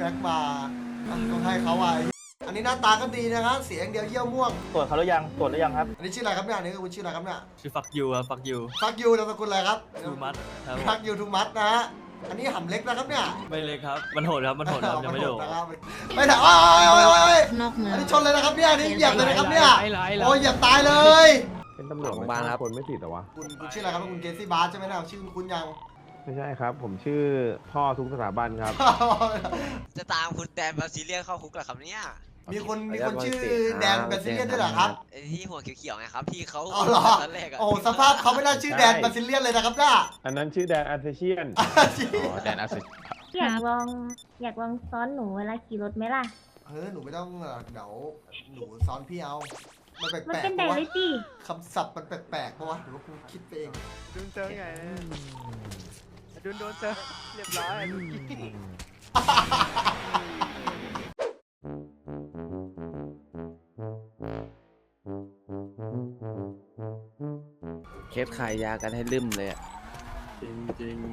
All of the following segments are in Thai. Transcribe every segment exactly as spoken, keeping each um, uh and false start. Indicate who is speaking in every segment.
Speaker 1: แม็กมาต้องให้เขาไว้อันนี้หน้าตาก็ดีนะครับเสียงเดียวเยี่ยวม่วง
Speaker 2: ตรวจเขาหรือยังตรวจหรือยังครับ
Speaker 1: อันนี้ชื่ออะไรครับเนี่ยอันนี้คือคุณชื่ออะไรครับเนี่ย
Speaker 3: ชื่อฟักยูครับฟักยู
Speaker 1: ฟักยูนามสกุลอะไรครับ
Speaker 3: ทูมัดครับ
Speaker 1: ฟักยูทูมัสนะฮะอันนี้หำเล็กนะครับเนี่ย
Speaker 3: ไม่เลยครับมันโหดครับมันโหดครับยังไม่โดด
Speaker 1: นะครับไม่ถ่ายโอ้ยโอ้ยโอ้ยโอ้ย
Speaker 4: นอกเมือง
Speaker 1: อันนี้ชนเลยนะครับเนี่ยอันนี้เหยียบเลยนะครับเนี่ยโอ้ยเหยียบตายเลย
Speaker 5: เป็นตำรวจโรงพยาบาลครับคนไม่ผิดเหรอวะ
Speaker 1: คุณคุณชื่ออะไรครับคุณเกซี่บาร์ใช่ไหมนะชื่อคุณยัง
Speaker 5: ไม่ใช่ครับ ผมชื่อพ่อทุกสถาบันครับ
Speaker 6: จะตามคุณแดนบาซิเลียนเข้าคุกเหรอครับเนี่ย
Speaker 1: มีคนมีคนชื่อแดนแบซิเลียนด้วยเหรอครับ
Speaker 6: ไอ้ที่หัวเขียวๆไงครับที่เขา
Speaker 1: อ๋อเหรอ
Speaker 6: ตอนแรกอะ
Speaker 1: โอ้สภาพเขาไม่น่าชื่อแดนแบซิเลียนเลยนะครับน่า
Speaker 5: อันนั้นชื่อแดนอาร์เทเชียน
Speaker 7: อ๋อแดนอาร์เซ
Speaker 4: อยากลองอยากลองซ้อนหนูเวลาขี่รถไหมล่ะ
Speaker 1: เฮ้ยหนูไม่ต้องเดี๋ยวหนูซ้อนพี่เอามันแป
Speaker 4: มัน
Speaker 1: ลก
Speaker 4: เป็น
Speaker 1: ๆ
Speaker 4: แด
Speaker 1: ปะ
Speaker 4: ด
Speaker 1: วะ
Speaker 4: เลยสิ
Speaker 1: คำศัพท์มันแปลกๆปะวะหรือว่าคุณคิดไปเอง
Speaker 8: โดนเจอไงโดนโดนเจอเรียบร้อย
Speaker 7: เคสขายยากันให้ลืมเลยอะ
Speaker 3: จริงจริง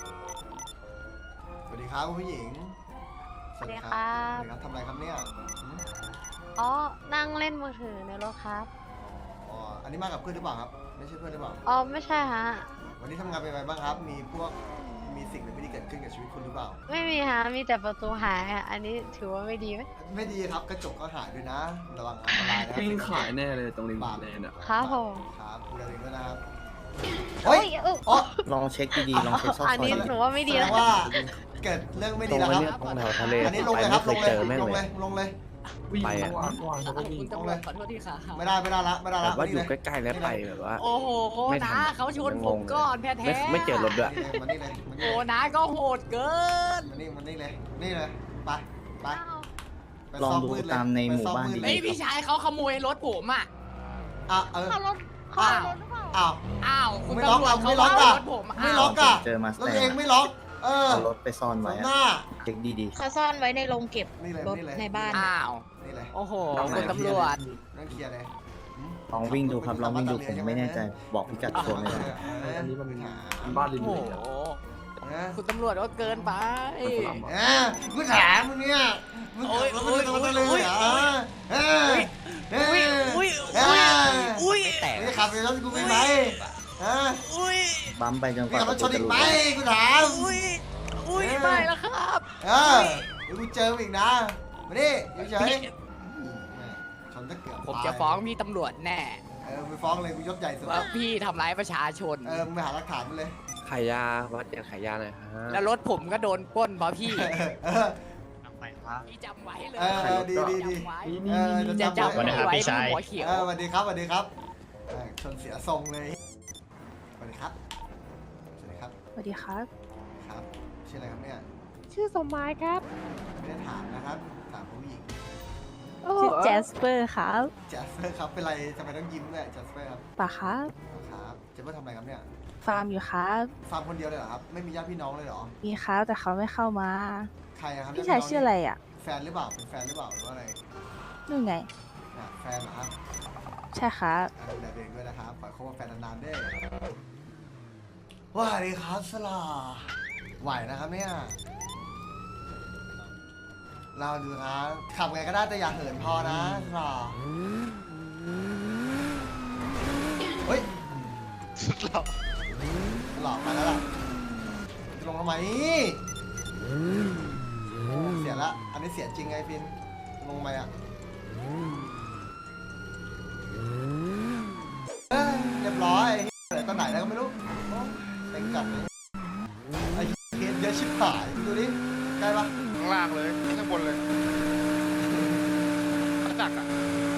Speaker 1: สวัสดีครับคุณผู้หญิง
Speaker 9: สวัสดีครับ
Speaker 1: สวัสดีครับทำอะไรครับเนี่ยหืม
Speaker 9: อ๋อ นั่งเล่นมือถือในรถครับ
Speaker 1: อ๋ออันนี้มากับเพื่อนหรือเปล่าครับ ไม่ใช่เพื่อนหรือเปล่า
Speaker 9: อ๋อ ไม่ใช่ฮะ
Speaker 1: วันนี้ทำงานเป็นไงบ้างครับ มีพวกมีสิ่งไม่ดีเกิดขึ้นกับชีวิตคุณหรือเปล่า
Speaker 9: ไม่มีฮะ มีแต่ประตูหายอะอันนี้ถือว่าไม่ดีไหม
Speaker 1: ไม่ดีครับกระจกก็หายด้วยนะ ระวังอันตรายนะ
Speaker 3: ปิ้งขายแน่เลยตรงริม
Speaker 1: บาป
Speaker 3: เลนอ่ะ
Speaker 9: ครับผม
Speaker 1: ครับดูแลตัวเองด้วยนะครับ
Speaker 9: เฮ้
Speaker 1: เฮ้
Speaker 9: ย
Speaker 1: ย
Speaker 9: เอ้ย
Speaker 1: อ๋อ
Speaker 7: ลองเช็คดีๆลองเช็คซอก
Speaker 9: อัน
Speaker 7: ซอ
Speaker 9: นี้
Speaker 7: ย
Speaker 9: หนูว่าไม่ดี
Speaker 1: แสด
Speaker 9: นะ
Speaker 1: งว่าเกิดเรื่องไม่
Speaker 7: ตร
Speaker 1: ดี
Speaker 7: ง
Speaker 1: แล้ว
Speaker 7: ไป
Speaker 1: ครับ
Speaker 7: เนี่ยตรงแถวทะเล
Speaker 1: อันนี้ลง
Speaker 7: ไป
Speaker 1: เลยค
Speaker 7: ไม่
Speaker 1: รับ
Speaker 7: เค
Speaker 1: ล
Speaker 7: ย
Speaker 1: งเลย
Speaker 7: เจอแม่ง
Speaker 1: ลง
Speaker 7: เล
Speaker 1: เลย ยลงเลย
Speaker 7: ไปอะ
Speaker 1: ลงเลยไม่ได้ไม่ได้ละไม่ได้
Speaker 7: แบ
Speaker 1: ละ
Speaker 7: บว่าอยู่
Speaker 1: ม
Speaker 7: ใกล้ๆแล้วไปแบบว่า
Speaker 8: โอ้โห
Speaker 7: ไม่
Speaker 8: นะ
Speaker 7: ทัน
Speaker 8: เขาชนผมก่อนแท้
Speaker 7: ไม่
Speaker 8: ๆ
Speaker 7: ไม่เจอรถด้วย
Speaker 1: นี่เลยมานี่เลยมานี่
Speaker 8: โอ้
Speaker 1: เลย
Speaker 8: นะก็โหดเกิน
Speaker 1: มานี่มานี่เลยนี่เลยไปไปไป
Speaker 7: ลอง
Speaker 1: ซ่ม
Speaker 7: ดู
Speaker 1: มืเย
Speaker 7: ตามในหมู่บ้าน
Speaker 1: ไปซ่อมืด
Speaker 7: ดี
Speaker 1: เล
Speaker 8: ไอ้
Speaker 1: ย
Speaker 8: ยพี่ชายเขาขโมยรถผมอ่ะ
Speaker 1: อ่ะเออ
Speaker 9: ขับรถขับรถหรือเปล่า
Speaker 1: อ้าว
Speaker 8: อ้าวคุณ
Speaker 1: ไม่ล็อก
Speaker 8: ตำรวจ
Speaker 1: อ่ะ
Speaker 8: เขา
Speaker 1: ไม่ล็อก
Speaker 8: เอา
Speaker 1: อ่ะ
Speaker 8: รถผม
Speaker 1: ไม่
Speaker 8: อ้าว
Speaker 1: ล็อกอ่ะ
Speaker 7: เจอมาส
Speaker 1: แล้ว
Speaker 7: แต
Speaker 1: ตัวเองไม่ล็อก เออ
Speaker 7: เอารถไปซ่อนไว้
Speaker 1: ห
Speaker 7: อะ
Speaker 1: น้า
Speaker 7: เช็คดี
Speaker 4: เขาซ่อนไว้ในโรงเก็บ
Speaker 1: นี่เลย
Speaker 4: รถ
Speaker 1: นี่เลย
Speaker 4: ในบ้าน
Speaker 8: อ้าว
Speaker 1: นี่เลย
Speaker 8: โอ้โห
Speaker 7: เอาไหน
Speaker 8: คุณตำรวจ
Speaker 1: นั่งเคลียร์เลยหืม
Speaker 7: ๆลองวิ่งดูครับลองวิ่งดูผมไม่แน่ใจบอกพิกัดตัวไม่ได้
Speaker 1: อันนี้มันหา
Speaker 3: บ้านริ
Speaker 8: โอ้
Speaker 3: ม
Speaker 8: โห
Speaker 3: เลนอะ
Speaker 1: นะ
Speaker 8: คุณตำรวจก็เกินไป
Speaker 1: เออกูถามมึงเนี่ยมึง
Speaker 8: โอ้ย
Speaker 1: มึง
Speaker 8: โอ้ย
Speaker 1: ทำอะไรเลย
Speaker 8: โอ้ย
Speaker 1: เหรอเออเออ
Speaker 8: อุ้ย
Speaker 1: เอ
Speaker 8: อุ้ย
Speaker 1: อ
Speaker 8: อุ้ย
Speaker 7: แตก
Speaker 1: นี่ขับในรถกูไปไหมฮะ
Speaker 8: อุ้ย
Speaker 7: บัมไปจนก
Speaker 1: นี่
Speaker 7: ว่า
Speaker 1: ขับร
Speaker 7: ประ
Speaker 1: ถช
Speaker 7: ตู
Speaker 1: น
Speaker 7: จะ
Speaker 1: อีก
Speaker 7: หลุด
Speaker 1: ไหมกูถาม
Speaker 8: อุ้ยอุ้ยไม่แล้วครับ
Speaker 1: เออเดี๋ยวกูเจอมึงอีกนะมาดิอยู่เฉยชนตะเกียบ
Speaker 8: ผมจะฟ้องพี่ตำรวจแน่
Speaker 1: เออไปฟ้องเลยกูยศใหญ่สุด
Speaker 8: ว่าพี่ทำร้ายประชาชน
Speaker 1: เออมึงไปหาหลักฐานมาเลย
Speaker 7: ขายยาวัดยาขายยาหน่อยฮะ
Speaker 8: แล้วรถผมก็โดนปล้นเพราะพี่
Speaker 1: เออ
Speaker 8: พี่จำไว้เลย
Speaker 1: เออดีดีดี
Speaker 8: จำไว้
Speaker 1: เออ
Speaker 8: จะ
Speaker 1: จะ
Speaker 8: จำ
Speaker 1: จำไว้
Speaker 8: ไว้ที่หัวเขียว
Speaker 1: เออสวัสดีครับสวัสดีครับเออชนเสียทรงเลยสวัสดีครับสวัสดีครับ
Speaker 9: สวัสดีครับ
Speaker 1: ครับชื่ออะไรครับเนี่ย
Speaker 9: ชื่อสมหมายครับ
Speaker 1: ไม่ได้ถามนะครับถามผู้หญิง
Speaker 9: ชื่อแจสเปอร์ครับ
Speaker 1: แจสเปอร์ครับเป็นไรทำไมต้องยิ้มด้วยแจสเปอร์ครับ
Speaker 9: ป่ะครับ
Speaker 1: ครับแจสเปอร์ทำอะไรครับเนี่ย
Speaker 9: ฟาร์มอยู่ครับ
Speaker 1: ฟาร์มคนเดียวเลยเหรอครับไม่มีญาติพี่น้องเลยเหรอ
Speaker 9: มีครับแต่เขาไม่เข้ามา
Speaker 1: ใครอะครับ
Speaker 9: พี่ชายชื่ออะไรอ่ะ
Speaker 1: แฟนหรือเปล่าเป็นแฟนหรือเปล่าหรือว่าอะไร
Speaker 9: นู่นไง
Speaker 1: อ่ะแฟนเหรอครับ
Speaker 9: ใช่ครับ
Speaker 1: อ่ะดูแลตัวเองด้วยนะครับขอให้คบกับแฟนนานๆด้วยว่าดีครับสลาไหวนะครับเนี่ยเราดูครับขับไงก็ได้แต่อย่าเหินพอนะสลาเฮ้ยสุดหล่อหล่อไปแล้วล่ะจะลงทำไมโอ้เสียละอันนี้เสียจริงไงพินลงมาอ่ะเอ้ยเรียบร้อยเหลือตอนไหนแล้วก็ไม่รู้โอ้เต็งจัดเลยไอ้เคสเยอะชิบหายดูดิใกล้ปะ
Speaker 5: ข้างล่างเลยข้างบนเลยจักอ่ะ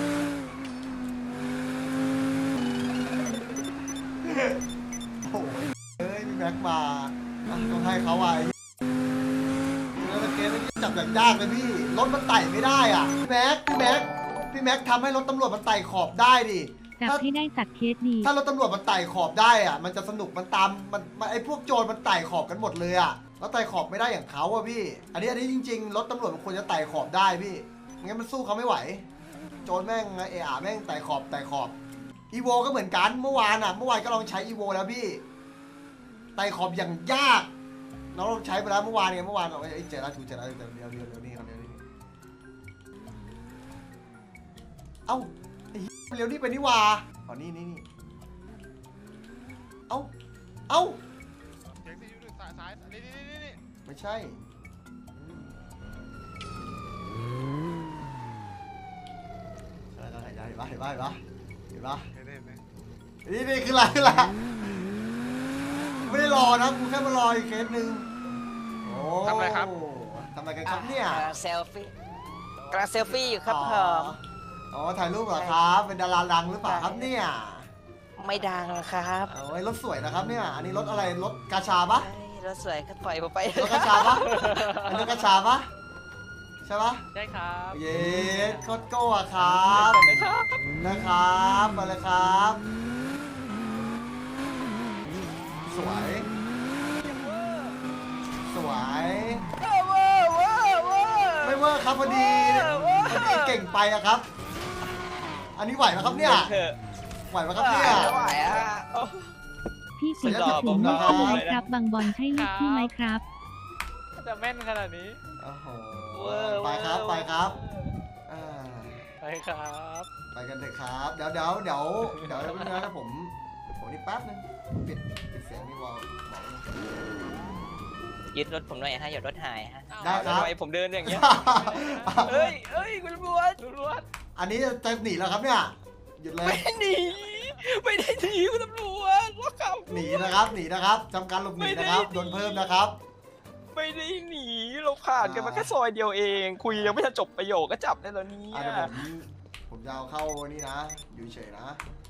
Speaker 1: โอ้ยเอ้ยพี่แม็กมาอ่ะต้องให้เขาไว้แล้วเกมมันจับอย่างยากเลยพี่รถมันไต่ไม่ได้อ่ะพี่แม็กพี่แม็กพี่แม็กทำให้รถตำรวจมันไต่ขอบได้ดิ
Speaker 4: จับให้ได้สักเคสดี
Speaker 1: ถ้ารถตำรวจมันไต่ขอบได้อ่ะมันจะสนุกมันตามมันมันไอพวกโจรมันไต่ขอบกันหมดเลยอ่ะแล้วไต่ขอบไม่ได้อย่างเขาอ่ะพี่ อันนี้อันนี้จริงๆรถตำรวจมันควรจะไต่ขอบได้พี่ไม่งั้นมันสู้เขาไม่ไหว โจรแม่งเออาแม่งไต่ขอบไต่ขอบอีโวก็เหมือนกันเมื่อวานอ่ะเมื่อวานก็ลองใช้อีโวแล้วพี่ไต่ขอบอย่างยากน้องเราใช้ไปแล้วเมื่อวานไงเมื่อวานเอาไอ้เจราชูเจราเดี๋ยวเดี๋ยวเดี๋ยวเดี๋ยวนี่ครับเดี๋ยวนี่เอ้าไอ้เหี้ยเร็วนี่ไปนี่หว่าอ๋อนี่นี่นี่เอ้าเอ้า
Speaker 2: เช็คซียูหนึ่งสายสายนี่นี่นี่นี่
Speaker 1: ไม่ใช่ใช่แล้วเห็นปะเห็นปะเห็นปะเห็นปะเห็นปะ
Speaker 2: เห็นไหมเห็นไหม
Speaker 1: นี่นี่คืออะไรคืออะไรไม่ได้รอนะกูแค่มารออีกเคสหนึ่งโอ้ทำอะไรครับทำอะไรกันครับเนี่ย
Speaker 6: เซลฟี่กำลังเซลฟี่อยู่ครับ
Speaker 1: อ๋อ
Speaker 6: ผม
Speaker 1: อ๋อถ่ายรูปเหรอครับ เป็นดาราดังหรือเปล่าครับเนี่ย
Speaker 6: ไม่ดังครับ
Speaker 1: โอ้ยรถสวยนะครับเนี่ย อันนี้รถอะไรรถกาชาปะ
Speaker 6: รถสวยก็ปล่อยผมไป
Speaker 1: รถกาชาปะอันนี้รถกาชาปะใช่ปะ
Speaker 8: ใช่ครับ
Speaker 1: เย้โคตรโก้อะครับนะครับมาเลยครับ สวย สวยไม่เวอร์ครับพอดีพอดีเก่งไปอะครับ อันนี้ไหวไหมครับเนี่ยไหวไหมครับเนี่ย
Speaker 6: ไม่ไหวอ่ะ
Speaker 4: พี่สี
Speaker 1: ขออนุญาต
Speaker 4: ผม
Speaker 1: ผม
Speaker 4: ไม่
Speaker 1: นะครับ
Speaker 4: ใช่ไหมครับ บางบอลใช่ลูกพี่ไหมครับ
Speaker 8: จะแม่นขนาดนี้
Speaker 1: โอ้โหไปครับไปครับอ่า
Speaker 8: ไปครับ
Speaker 1: ไปกันเถอะครับ เดี๋ยวเดี๋ยวเดี๋ยวเดี๋ยวเดี๋ยวนะผมผมนี่แป๊บนึงปิดปิดเสียงนี่วอลบอกนะ
Speaker 6: ยึดรถผมหน่อยฮะอย่ารถหายฮะ
Speaker 1: ได้ครับ
Speaker 6: ทำไมผมเดินอย่างเงี้ยเอ้ยเอ้ยคุณตำรวจตำรวจ
Speaker 1: อันนี้จะหนีแล้วครับเนี่ยหยุดเลย
Speaker 6: ไม่หนีไม่ได้หนีคุณตำรวจล็อกเขา
Speaker 1: หนีนะครับหนีนะครับจำการหลบหนีนะครับโดนเพิ่มนะครับ
Speaker 6: ไม่ได้หนีเราผ่านกันมาแค่ซอยเดียวเอง คุยยังไม่ทันจบประโยคก็จับได้แล้วเนี่
Speaker 1: อ่ะ
Speaker 6: ย
Speaker 1: เดี๋ยวผมผมจะเอาเข้านี่นะอยู่เฉยนะ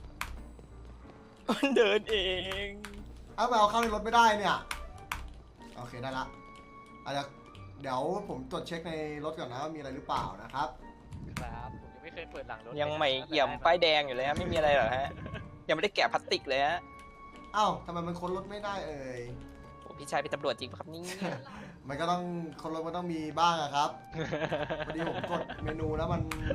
Speaker 6: มันเดินเอง
Speaker 1: เอาไปเอาเข้าในรถไม่ได้เนี่ยโอเคได้ละอาจจะเดี๋ยวผมตรวจเช็คในรถก่อนนะว่ามีอะไรหรือเปล่านะครับ
Speaker 8: ครับผมยังไม่เคยเปิดหลังรถ
Speaker 6: ยังไม่เอี่ยมป้ายแดงอยู่เลยฮะไม่มีอะไรหรอกฮะยังไม่ได้แกะพลาสติกเลยฮะ
Speaker 1: เอ้าทำไมมันค้นรถไม่ได้เอ่ย
Speaker 6: โอ้พี่ชายเป็นตำรวจจริงปะครับนี่
Speaker 1: มันก็ต้องคนรถมันต้องมีบ้างอะครับพอดีผมกดเมนูแล้วมัน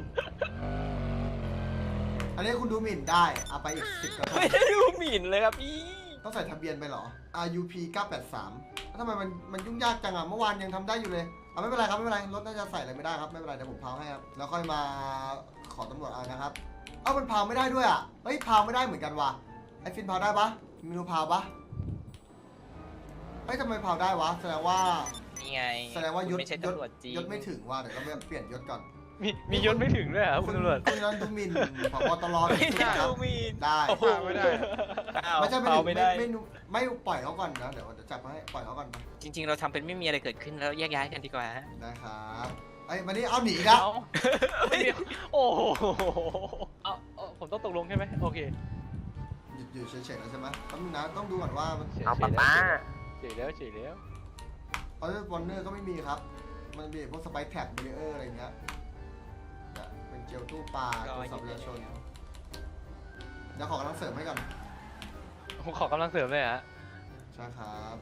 Speaker 1: อันนี้คุณดูหมิ่นได้เอาไปอีกสิบกระทง
Speaker 6: ไม่ได้ดูหมิ่นเลยครับพี่
Speaker 1: ต้องใส่ทะเบียนไปเหรอ อาร์ ยู พี เก้าแปดสามแล้วทำไมมันมันยุ่งยากจังอะเมื่อวานยังทำได้อยู่เลยเอาไม่เป็นไรครับไม่เป็นไรรถน่าจะใส่อะไรไม่ได้ครับไม่เป็นไรเดี๋ยวผมพาวให้ครับแล้วค่อยมาขอตำรวจเอานะครับเอ้ามันพาวไม่ได้ด้วยอะเฮ้ยพาวไม่ได้เหมือนกันว่ะไอฟินพาวได้ปะเมนูพาวปะเฮ้ยทำไมพาวได้วะแสดงว่า
Speaker 6: นี่ไง
Speaker 1: แสดงว่ายศ
Speaker 6: ไม่ใช่
Speaker 1: ยศ
Speaker 6: ตำรวจจริง
Speaker 1: ยศไม่ถึงว่ะเดี๋ยวเราเปลี่ยนยศก่อน
Speaker 8: มีมียศไม่ถึงด้วยเหรอคุณตำรวจ
Speaker 1: คุณนั้นดูหมิ่นผบตร
Speaker 6: ไม่
Speaker 1: สุด
Speaker 6: ได้
Speaker 1: ๆครับ
Speaker 6: ดูหมิ่น
Speaker 1: ได้
Speaker 6: โอ้โห
Speaker 2: ไม่ได้
Speaker 6: อ้าว
Speaker 1: ไม่ใช่ไม่
Speaker 6: เผา
Speaker 1: ถึง
Speaker 6: ไม่
Speaker 1: ไม่
Speaker 6: ได้
Speaker 1: ไม่ไม่ไม่ปล่อยเขาก่อนนะเดี๋ยวเดี๋ยวจับมาให้ปล่อยเขาก่อนไป
Speaker 6: จริง ๆ เราทำเป็นไม่มีอะไรเกิดขึ้นแล้วแยกย้ายกันดีกว่าฮะ
Speaker 1: ได้ครับไอ้ยมานี่เอาหนีแล้ว
Speaker 8: โอ้โหเอาเอาผมต้องตกลงใช่ไหมโอเค
Speaker 1: หยุดอยู่เฉยๆแล้วใช่ไหมแป๊บนึงนะต้องดูก่อนว่ามัน
Speaker 8: เอาป๊าป๊าเฉยแล้วเฉยแล้ว
Speaker 1: เอาวอลเนอร์ก็ไม่มีครับ มันมีพวกสไปซ์แท็กเบรเออร์อะไรเงี้ยเนี่ยเป็นเจลตู้ปลาตัวสับประชาชนเดี๋ยวขอกำลังเสริมให้ก่อน
Speaker 8: ผมขอกำลังเสริมเลยฮะ
Speaker 1: ใช่ครับ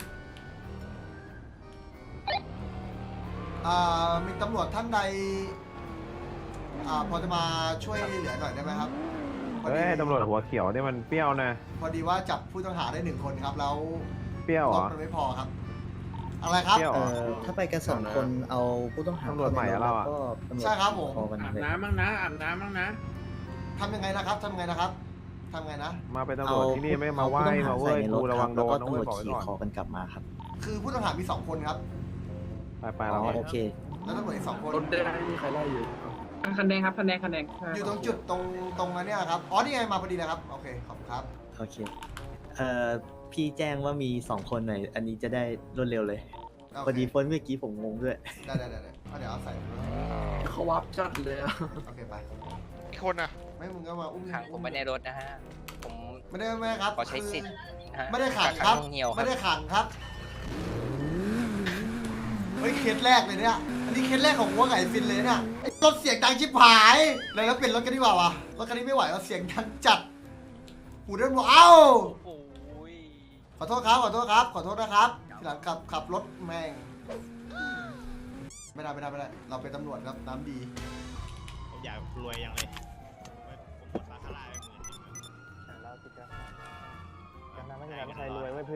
Speaker 1: อ่ามีตำรวจท่านใดอ่าพอจะมาช่วยเหลือหน่อยได้ไหมครับพอ
Speaker 5: เฮ้
Speaker 1: ดี
Speaker 5: ยตำรวจหัวเขียวเนี่ยมันเปรี้ยวนะ
Speaker 1: พอดีว่าจับผู้ต้องหาได้หนึ่งคนครับแล้ว
Speaker 5: เปรี้ยวเห
Speaker 1: ร
Speaker 5: ร
Speaker 1: ถ
Speaker 5: อ
Speaker 1: มันไม่พอครับ อะไรครับ
Speaker 5: เปรี้ยว
Speaker 7: เอ่อถ้าไปกันสองคนเอาผู้ต้องหา
Speaker 5: ตำรวจใหม่อะเราอะ
Speaker 7: ก็ตำวจ
Speaker 1: ใช่ครับผม
Speaker 7: พอกัน
Speaker 10: อาบ
Speaker 7: เลย
Speaker 10: น้ำบ้างนะอาบน้ำบ้างนะ
Speaker 1: ทำยังไงนะครับทำยังไงนะครับทำยังไงนะ
Speaker 5: มาเป็นตำรวจที่นี่ไม่มาไหว้
Speaker 7: เอ
Speaker 5: มาเว้ย
Speaker 7: ผู้
Speaker 5: กู
Speaker 7: ต้องห
Speaker 5: ระวังโดน
Speaker 7: ใส่
Speaker 5: นะ
Speaker 7: ใน
Speaker 5: เว้
Speaker 7: ร
Speaker 5: ย
Speaker 7: ถ
Speaker 5: บอก
Speaker 7: ครับ
Speaker 5: ไว้
Speaker 7: แล้วก็
Speaker 5: ก่อน
Speaker 7: ต้องขี่คอกันกลับมาครับ
Speaker 1: คือผู้ต้องหามีสองคนครับ
Speaker 5: ไปไป
Speaker 7: อ๋
Speaker 5: เรา
Speaker 7: อโอเค
Speaker 1: แล้วตำรวจอีกสองคน
Speaker 3: รถได้ไม่มีใครไล่อยู่
Speaker 10: คันแดงครับคันแดงคันแดง
Speaker 1: อยู่ตรงจุดตรงตรงนั้นเนี่ยครับอ๋อนี่ไงมาพอดีนะครับโอเคขอบคุณครับ
Speaker 7: โอเคเอ่อพี่แจ้งว่ามีสองคนหน่อยอันนี้จะได้รวดเร็วเลย
Speaker 1: โอ
Speaker 7: พอ
Speaker 1: เค
Speaker 7: ดีพ้นเมื่อกี้ผมงงด้วย
Speaker 1: ได้ได้ได้ได้เอาเดี๋ยวเอาใส่
Speaker 3: เขาวับจัดเลยอะ
Speaker 1: โอเคไป
Speaker 2: อีกคนน่ะ
Speaker 1: ไม่มึงก็มาอุ้ม
Speaker 6: ขังผมไว้ในรถนะฮะผม
Speaker 1: ไม่ได้ไม่ได้ครับ
Speaker 6: ขอใช้สิทธิ์ นะฮะ
Speaker 1: ไม่ได้ขังครับ
Speaker 6: กักขังหน่วงเหนียวครั
Speaker 1: ไม่
Speaker 6: บ
Speaker 1: ได้ขังครับเฮ้ยเคสแรกเลยเนี่ยอันนี้เคสแรกของหัวไก่ฟินเลยเนี่ยไอ้รถเสียงดังชิบหายเลยแล้วเปลี่ยนรถกันดีกว่าวะรถคันนี้ไม่ไหวแล้วเสียงดังจัดหูเดินบอกเอ้า
Speaker 6: โอ้ย
Speaker 1: ขอโทษครับขอโทษครับขอโทษนะครับทีหลังขับขับรถแม่งไม่ได้ไม่ได้ไม่ได้เราเป็นตำรวจครับน้ำดี
Speaker 2: ผมอยากรวยยังเลยผมหมดบาคาร่าไปหมื่นหนึ่ง
Speaker 5: เราติดกันกันนะไม่ใช่ใครรวยไว้เพื่อน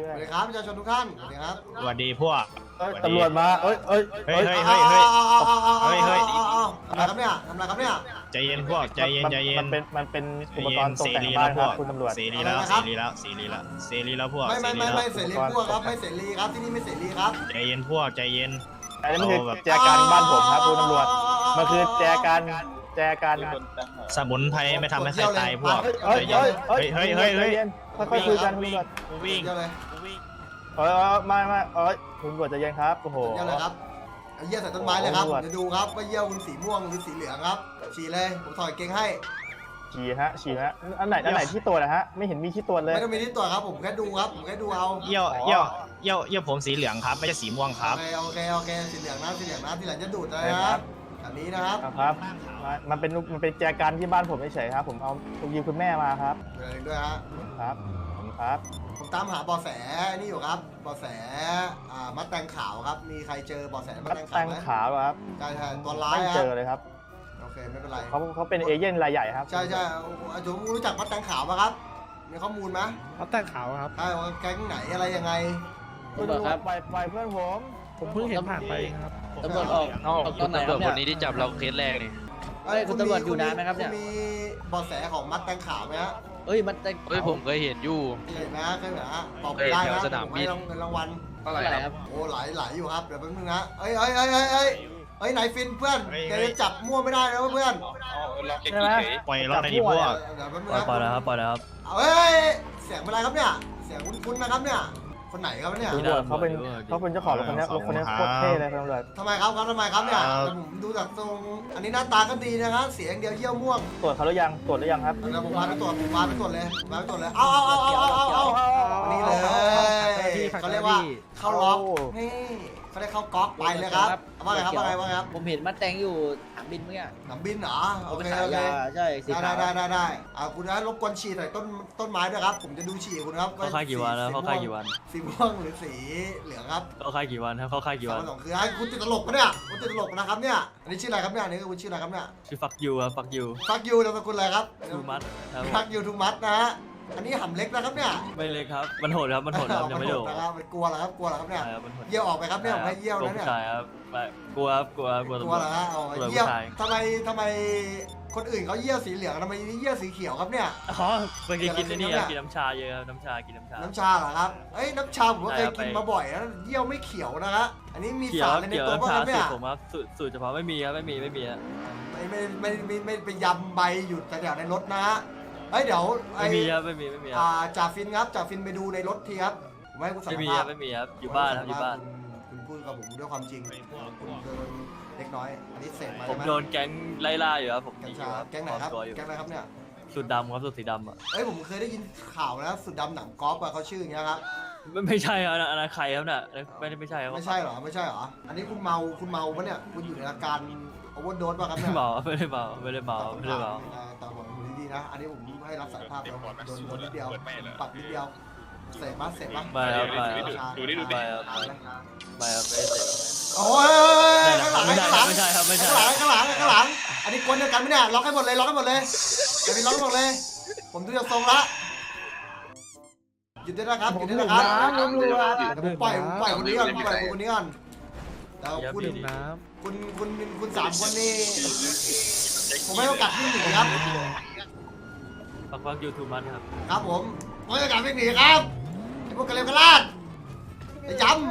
Speaker 1: สวัสดีครับประชาชนทุกท่านสวัสดีครับ
Speaker 2: สวัสดีพวก
Speaker 5: เอ้ยตำรวจมาเอ้ยเอ้ย
Speaker 2: เฮ้ยเฮ้ยเฮ้ยเฮ้ย เฮ้ยเฮ้ย
Speaker 1: ทำอะไรครับเนี่ยทำอะไรครับเนี่ย
Speaker 2: ใจเย็นพวกใจเย็นใจเย็น
Speaker 5: มันเป็นมันเป็น
Speaker 2: ใจ
Speaker 5: อุป
Speaker 2: เย็
Speaker 5: กร
Speaker 2: น
Speaker 5: ณ์ตก
Speaker 2: เส
Speaker 5: แต่ง
Speaker 2: รี
Speaker 5: บ้า
Speaker 2: แล้
Speaker 5: น
Speaker 2: ว
Speaker 5: ค
Speaker 2: พ
Speaker 5: รับ
Speaker 2: วก
Speaker 5: คุณตำรวจ
Speaker 2: เสรีแล้วเสรีแล้วเสรีแล้วเสรีแล้วพวก
Speaker 1: ไม่ไม่ไม่ไม่เสรีพวกครับไม่เสรีครับที่นี่ไม่เสรีครับ
Speaker 2: ใจเย็นพวกใจเย็น
Speaker 5: อันนี้มันคือแจกันบ้านผมครับคุณตำรวจมันคือแจกันแจกัน
Speaker 2: สมุนไพรไม่ทำให้ใครตายพวก
Speaker 5: เฮ้ย
Speaker 2: ใจ
Speaker 5: เฮ้ย
Speaker 2: เย็น
Speaker 5: เฮ้ย
Speaker 2: เฮ้ยเฮ้ยเฮ้ย
Speaker 5: ใจนค่อยๆคุยกันคุณตำรวจ
Speaker 2: กูวิ่ง
Speaker 1: เยอะเลย
Speaker 2: กูวิ่ง
Speaker 5: เออไม่ไม่เอ้ยคุณตำรวจใจเย็นครับโอ้โห
Speaker 1: เยอะเลยครับเอาเยี่ยวใส่ต้นไม้เลยครับ
Speaker 5: โอ้โห
Speaker 1: เดี๋ยวดูครับว่าเยี่ยวคุณสีม่วงหรือสีเหลืองครับฉี่เลยผมถอดเกงให้
Speaker 5: ฉี่ฮะฉี่ฮะอันไหนอันไหนที่ตัวจนะฮะไม่เห็นมีที่ตัวจเลย
Speaker 1: ไม่ต้องมีที่ตัวครับผมแค่ดูครับผมแค่ดูเอา
Speaker 2: เยี่ยวเยี่ยวเยี่ยวเยี่ยวผมสีเหลืองครับไม่ใช่สีม่วงครับ
Speaker 1: โอเคโอเคโอเคสีเหลืองนะสีเหลืองนะสีเหลืองจะดูดนะ
Speaker 5: ใช่
Speaker 1: ค
Speaker 5: ครั
Speaker 1: รับบ แบบนี้นะครับ
Speaker 5: ครับมันเป็นมันเป็นแจกันที่บ้านผมเฉยๆครับ ผมเอาผมยืมคุณแม่มาครับ
Speaker 1: ดูอะไรด้วยฮะ
Speaker 5: ครับผมครับ
Speaker 1: ผมตามหาเบาะแสนี่อยู่ครับเบาะแสอ่ามัดแตงขาวครับมีใครเจอเบาะแสมัด
Speaker 5: มัด
Speaker 1: แตง
Speaker 5: แต
Speaker 1: ขาว
Speaker 5: ง
Speaker 1: ไหม
Speaker 5: ขาวครับ
Speaker 1: ใช่ใช่ตัวร้าย
Speaker 5: ไม่
Speaker 1: ค
Speaker 5: เจ
Speaker 1: รับ
Speaker 5: อเลยครับ
Speaker 1: โอเคไม่เป็นไร
Speaker 5: เขาเขาเป็นเอเย่นรายใหญ่ครับ
Speaker 1: ใช่ใช่อาจุรู้จักมัดแตงขาวปะครับมีข้อมูลไหม
Speaker 8: เขาแต่งขาวครับ
Speaker 1: ใช่ว่าแก๊งไหนอะไรยังไง
Speaker 5: คุณตำรวจปล่อยปล่อยเพื่อนผม
Speaker 8: ผมเพิ่งเห็นผ่านไปครับ
Speaker 1: ตำรวจออก
Speaker 3: ออกตอนไหนครับเนี่ย
Speaker 1: เอ้ยคุณตำรวจอยู่นานไหมครับเนี่ยมีเบาะแสของมัดแตงขาวไหมฮะ
Speaker 3: เอ้ยมันแต่ง
Speaker 11: เฮ้ยผมเคยเห็นอยู่
Speaker 1: เคยเห็นไหมฮะเคยเห็นไหมฮะตอบไม่ได้
Speaker 11: แถ
Speaker 1: นะ
Speaker 11: วสนามบิน
Speaker 1: ผมให้รางวัล
Speaker 3: เท่าไหร่ครับ
Speaker 1: โอ้หลายหลายอยู่ครับเดี๋ยวแป๊บนึงนะเอ้ยเอ้ยเอ้ยเอ้ยเอ้ยเอ้ยไหนฟินเพื่อนแกจะจับมั่วไม่ได้นะเพื่อน
Speaker 5: ใช่ไหม
Speaker 2: ปล่อยรอดในดีพวก
Speaker 1: เดี๋ยวแป๊บนึง
Speaker 3: ปล่อย
Speaker 1: นะ
Speaker 3: ปล่อยแล้วครับปล่อยแล้วครับ
Speaker 1: เอ้ยเสียงเป็นไรครับเนี่ยเสียงคุ้นๆนะครับเนี่ยคนไหนครับเนี่ย
Speaker 5: ตำรวจเขาเป็นเขาเป็นเจ้าของรถคันนี้รถคันนี้โคตรเท่เลยครับตำรวจ
Speaker 1: ทำไมครับครับทำไมครับเนี่ยแต่ผมดูจากตรงอันนี้หน้าตาก็ดีนะครับเสียงเดียวเยี่ยวม่วง
Speaker 5: ตรวจเขาหรือยังตรวจหรือยังครับ
Speaker 1: เดี๋ยวผมพาไปตรวจผมพาไปตรวจเลยผมพาไปตรวจเลยเอาเอาเอาเอาเอาเอาเอานี่เลยเขาเรียกว่าเข้าล็อกนี่เขาเรียกเข้าก๊อกไปเลยครับว่าไงครับว่าไงว่าไงครับ
Speaker 3: ผมเห็นมันแต่งอยู่ถังบินเมื่อกี้
Speaker 1: หนังบินเหรอโอเค
Speaker 3: ขา
Speaker 1: โอย เค
Speaker 3: ยาใช่สี
Speaker 1: ได้
Speaker 3: ขาว
Speaker 1: ได้ได้ได้อ่าคุณนะรบกวนฉี่ใส่ต้นต้นไม้ด้วยครับ ผมจะดูฉี่คุณครับ
Speaker 3: เขาค่ายกี่วันแล้วเขาค่ายกี่วัน
Speaker 1: สีม่วงหรือสีเหลืองครับ
Speaker 3: เขาค่ายกี่วันครับเขาค่ายกี่
Speaker 1: สา
Speaker 3: วั
Speaker 1: ม
Speaker 3: น
Speaker 1: สองคือไอ้คุณติดตลกปะเนี่ยคุณติดตลกนะครับเนี่ยอันนี้ชื่ออะไรครับเนี่ยอันนี้คุณชื่ออะไรครับเนี่ย
Speaker 3: ชื่อฟักยูครับฟักยู
Speaker 1: ฟักยูนามสกุลอะไรครับ
Speaker 3: ทูมัดครับ
Speaker 1: ฟักยูทูมัสนะฮะอันนี้หำเล็กนะครับเนี่ย
Speaker 3: ไม่เลยครับมันโหดครับมันโหดครับยังไม่โดด
Speaker 1: นะครับมันกลัวเหรอครับกลัวเหรอครับเนี่ย
Speaker 3: ใช่ครับมันโหด
Speaker 1: เยี่ยวออกไปครับเนี่ยผมให้เยี่ยว
Speaker 3: กลัว
Speaker 1: นะเนี่ย
Speaker 3: ผู้ชายครับไม่กลัวครับกลัวกลัว
Speaker 1: ก
Speaker 3: ตำ
Speaker 1: ลั
Speaker 3: ร
Speaker 1: ว
Speaker 3: วจ
Speaker 1: เหรอฮะเอา
Speaker 3: กลัว
Speaker 1: เยี่ยว
Speaker 3: ผู้ชาย
Speaker 1: ทำไมทำไมคนอื่นเขาเยี่ยวสีเหลืองทำไมนี่เยี่ยวสีเขียวครับเนี่ย
Speaker 3: อ๋อไปกินกินไอ้นี่ครับ
Speaker 1: เดี๋ยว
Speaker 3: กินน้ำชาเยอะครับน้ำชากินน้ำชา
Speaker 1: น้ำชาเหรอครับเอ้ยน้ำชาผมก็เคย
Speaker 3: ใช่ครับ
Speaker 1: กิน
Speaker 3: ไป
Speaker 1: มาบ่อยนะเยี่ยวไม่เขียวนะฮะอันนี้มี
Speaker 3: เกี่ย
Speaker 1: สาว ร
Speaker 3: ค
Speaker 1: อะ
Speaker 3: รับ
Speaker 1: ไรใน
Speaker 3: เกี่ยว
Speaker 1: ตัว
Speaker 3: น้ำ
Speaker 1: บ้าง
Speaker 3: ชา
Speaker 1: ครับ
Speaker 3: สู
Speaker 1: เนี่
Speaker 3: ต
Speaker 1: ย
Speaker 3: รผมครับสูตรสูตรเฉพาะไม่มีครับไม่มีไม่มีอะ
Speaker 1: ไม่ไม่ไม่ไม่ไม่ไปยำใบอยู่แถวๆในรถนะฮะเฮ้ยเดี๋ยวไอ้
Speaker 3: ไม่มีครับไม่มีไม่มีค
Speaker 1: อ่า
Speaker 3: รับ
Speaker 1: จ่าฟินครับจ่าฟินไปดูในรถทีครับผมให้คุณสัม
Speaker 3: ไม่มี
Speaker 1: ภา
Speaker 3: ครั
Speaker 1: ษ
Speaker 3: บ
Speaker 1: ณ์
Speaker 3: ไม่มีครับอยู่บ้านครับอยู่บ้าน
Speaker 1: คุณคุณพูดกับผมด้วยความจริงคุณโดนเล็กน้อยอันนี้เสร็จมา
Speaker 3: ผ
Speaker 1: ใช่
Speaker 3: ม
Speaker 1: ไหม
Speaker 3: โดนแก๊งไล่ล่าอยู่ครับผม
Speaker 1: แก๊ง
Speaker 3: ยิงอ
Speaker 1: ชา
Speaker 3: ยู่ครับ
Speaker 1: แก๊งไหนครับ
Speaker 3: ปลอมตัวอยู่
Speaker 1: แก๊งอะไรครับเนี่ย
Speaker 3: สูตรดำครับสูตรสีดำอ่ะ
Speaker 1: เอ้ยผมเคยได้ยินข่าวนะสุดดำหนังกอล์ฟอะเขาชื่ออย่างเงี้ยครับ
Speaker 3: ไม่ไม่ใช่ครับอันนั้นอันนั้นใครครับเนี่ยไม่ได้ไม่ใช่ครับ
Speaker 1: ไม่ใช่เหรอไม่ใช่เหรออันนี้คุณเมาคุณเมาปะเนี่ยคุณอยู่ในอาการโอเวอร์โดสป่ะครับ
Speaker 3: ไม่
Speaker 1: เนี่ย
Speaker 3: เมาไม่ได้เมาไม่ได้เมาไม่ได้เมา
Speaker 1: แต่ผมดูดีๆนะ อันนี้ผมให้รับสารภาพแล้วโดนโดนนิดเดียวปรับนิดเดียวเสร็จปะเสร็จปะ
Speaker 3: ไม่ครับไม่ครับ
Speaker 1: ดูดิดูดิ
Speaker 3: ไม่ครับไม่ครับไม่ได้เสพ
Speaker 1: โอ้ยข้างหลัง
Speaker 3: ไม่ใช่
Speaker 1: ข้างหลัง
Speaker 3: ไม่ใช่ครับไม่ใช่
Speaker 1: ข้างหลังข้างหลังข้างหลัง อันนี้กวนเดียวกันไหมเนี่ยล็อกให้หมดเลยล็อกให้หมดเลยเดี๋ยวพี่ล็อกให้หมดเลย ผมดูจากทรงละหยุดได้นะครับหยุดได้นะครับเดี๋ยวผมปล่อยผมปล่อยคนนี้ก่อนผมปล่อยคนนี้ก่อนเดี๋ยวคุณ
Speaker 8: ดื่มน้
Speaker 1: คุณคุณคุณสามคนนี่ผมให้โอกาสพี่หนีครับ
Speaker 3: ฟักฟักยูทูบมันครับ
Speaker 1: ครับผมผมให้โอกาสพี่หนีครับไอ้พวกกระเลวกระลาดไอ้จำ